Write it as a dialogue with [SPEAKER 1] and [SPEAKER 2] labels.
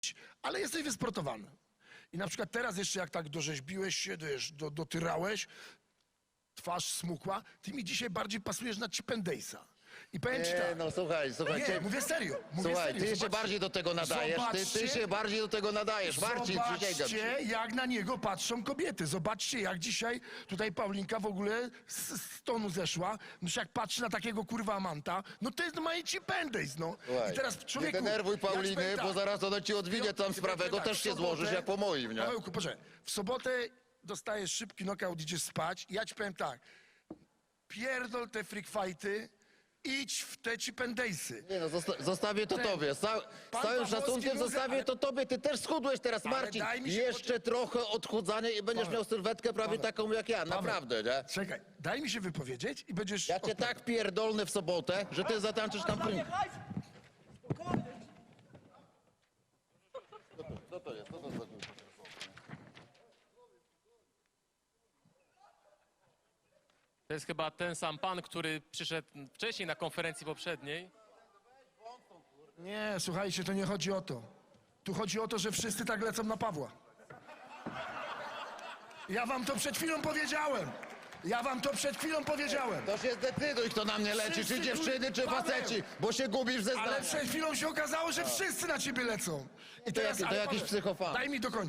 [SPEAKER 1] ale jesteś wysportowany. I na przykład teraz jeszcze jak tak dorzeźbiłeś się, wiesz, dotyrałeś, twarz smukła, ty mi dzisiaj bardziej pasujesz na Chip and Dalesa. I powiem ci
[SPEAKER 2] Nie,
[SPEAKER 1] tak.
[SPEAKER 2] no słuchaj,
[SPEAKER 1] Nie, mówię serio.
[SPEAKER 2] Słuchaj, ty się
[SPEAKER 1] Zobaczcie-
[SPEAKER 2] bardziej do tego nadajesz, ty
[SPEAKER 1] zobaczcie-
[SPEAKER 2] się bardziej do tego nadajesz, Marcin, przysięgam ci.
[SPEAKER 1] Zobaczcie, jak na niego patrzą kobiety. Zobaczcie, jak dzisiaj tutaj Paulinka w ogóle z tonu zeszła. No jak patrzy na takiego kurwa amanta, no to jest normalnie Chip and Dale, no.
[SPEAKER 2] Słuchaj,
[SPEAKER 1] I teraz człowieku...
[SPEAKER 2] nie denerwuj
[SPEAKER 1] ja ci
[SPEAKER 2] Pauliny,
[SPEAKER 1] powiem tak,
[SPEAKER 2] bo zaraz ona ci odwinie tam sprawę, go też się złożysz jak po moim, nie?
[SPEAKER 1] Pawełku, proszę, w sobotę dostajesz szybki knockout, idziesz spać i ja ci powiem tak, pierdol te freak fighty, idź w te Chip and Dalesy.
[SPEAKER 2] Nie no, zostawię to tobie. Z całym
[SPEAKER 1] Pawłowski
[SPEAKER 2] szacunkiem
[SPEAKER 1] mówi,
[SPEAKER 2] zostawię
[SPEAKER 1] ale-
[SPEAKER 2] to tobie. Ty też schudłeś teraz,
[SPEAKER 1] Ale
[SPEAKER 2] Marcin.
[SPEAKER 1] daj mi się
[SPEAKER 2] Jeszcze trochę odchudzania i będziesz
[SPEAKER 1] Paweł,
[SPEAKER 2] miał sylwetkę prawie
[SPEAKER 1] Paweł,
[SPEAKER 2] taką jak ja, naprawdę, nie?
[SPEAKER 1] Czekaj, daj mi się wypowiedzieć i będziesz...
[SPEAKER 2] Ja cię tak pierdolnę w sobotę, że ty zatańczysz tam prim. Co to jest? Co to za...
[SPEAKER 3] To jest chyba ten sam pan, który przyszedł wcześniej na konferencji poprzedniej.
[SPEAKER 1] Nie, słuchajcie, to nie chodzi o to. Tu chodzi o to, że wszyscy tak lecą na Pawła. Ja wam to przed chwilą powiedziałem.
[SPEAKER 2] To się zdecyduj, kto na mnie leci,
[SPEAKER 1] Wszyscy
[SPEAKER 2] czy dziewczyny, czy
[SPEAKER 1] Paweł.
[SPEAKER 2] faceci, bo się gubisz ze
[SPEAKER 1] Ale
[SPEAKER 2] zdania.
[SPEAKER 1] przed chwilą się okazało, że wszyscy na ciebie lecą. I
[SPEAKER 2] To
[SPEAKER 1] teraz,
[SPEAKER 2] jakiś
[SPEAKER 1] ale Paweł,
[SPEAKER 2] psychofan.
[SPEAKER 1] Daj mi dokończyć.